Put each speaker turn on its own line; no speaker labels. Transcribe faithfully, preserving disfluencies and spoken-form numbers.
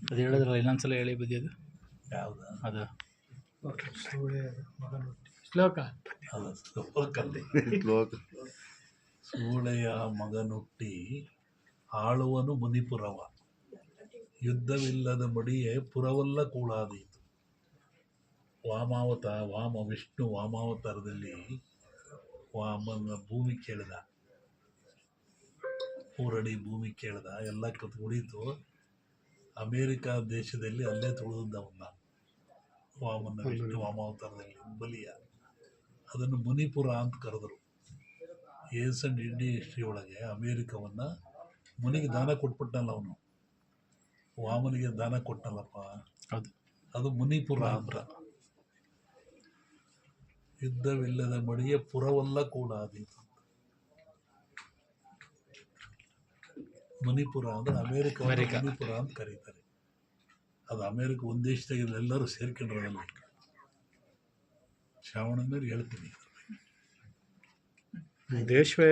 ಅದು ಹೇಳಿದ್ರಲ್ಲ ಇನ್ನೊಂದ್ಸಲ ಹೇಳಿ ಬದಿಯೋದು
ಯಾವುದು
ಅದು
ಶ್ಲೋಕ
ಅದು ಶ್ಲೋಕಲ್ಲಿ ಸೂಳೆಯ ಮಗನುಟ್ಟಿ ಆಳುವನು ಮುನಿಪುರವ, ಯುದ್ಧವಿಲ್ಲದ ಮಡಿಯೇ ಪುರವಲ್ಲ ಕೂಳಾದೀತು. ವಾಮಾವತಾರ ವಾಮ ವಿಷ್ಣು ವಾಮಾವತಾರದಲ್ಲಿ ವಾಮನ ಭೂಮಿ ಕೇಳಿದ, ಮೂರಡಿ ಭೂಮಿ ಕೇಳಿದ, ಎಲ್ಲ ಕತ್ ಉಳಿತು. ಅಮೇರಿಕಾ ದೇಶದಲ್ಲಿ ಅಲ್ಲೇ ತುಳಿದವನ್ನ ವಾಮನ ವಿಷ್ಣು ವಾಮಾವತಾರದಲ್ಲಿ ಬಲಿಯ, ಅದನ್ನು ಮುನಿಪುರ ಅಂತ ಕರೆದರು. ಏಸ್ ಅಂಡ್ ಇಂಡಿಯನ್ ಹಿಸ್ಟ್ರಿ ಒಳಗೆ ಅಮೇರಿಕವನ್ನು ಮುನಿಗೆ ದಾನ ಕೊಟ್ಬಿಟ್ಟನಲ್ಲ ಅವನು, ವಾಮನಿಗೆ ದಾನ ಕೊಟ್ಟನಲ್ಲಪ್ಪ,
ಹೌದು
ಅದು ಮುನಿಪುರ ಅಂತ. ಯುದ್ಧವಿಲ್ಲದ ಮಡಿಯ ಪುರವಲ್ಲ ಕೂಡ ಆದೀತು. ಮಣಿಪುರ ಅಂದ್ರೆ ಅಮೇರಿಕ ಮಣಿಪುರ ಅಂತ ಕರೀತಾರೆ. ಅದು ಅಮೇರಿಕ ಒಂದು ದೇಶದಾಗ ಎಲ್ಲರೂ ಸೇರ್ಕೊಂಡ್ರಲ್ಲ. ಶ್ರಾವಣ ಮೇಲೆ ಹೇಳ್ತೀನಿ
ದೇಶವೇ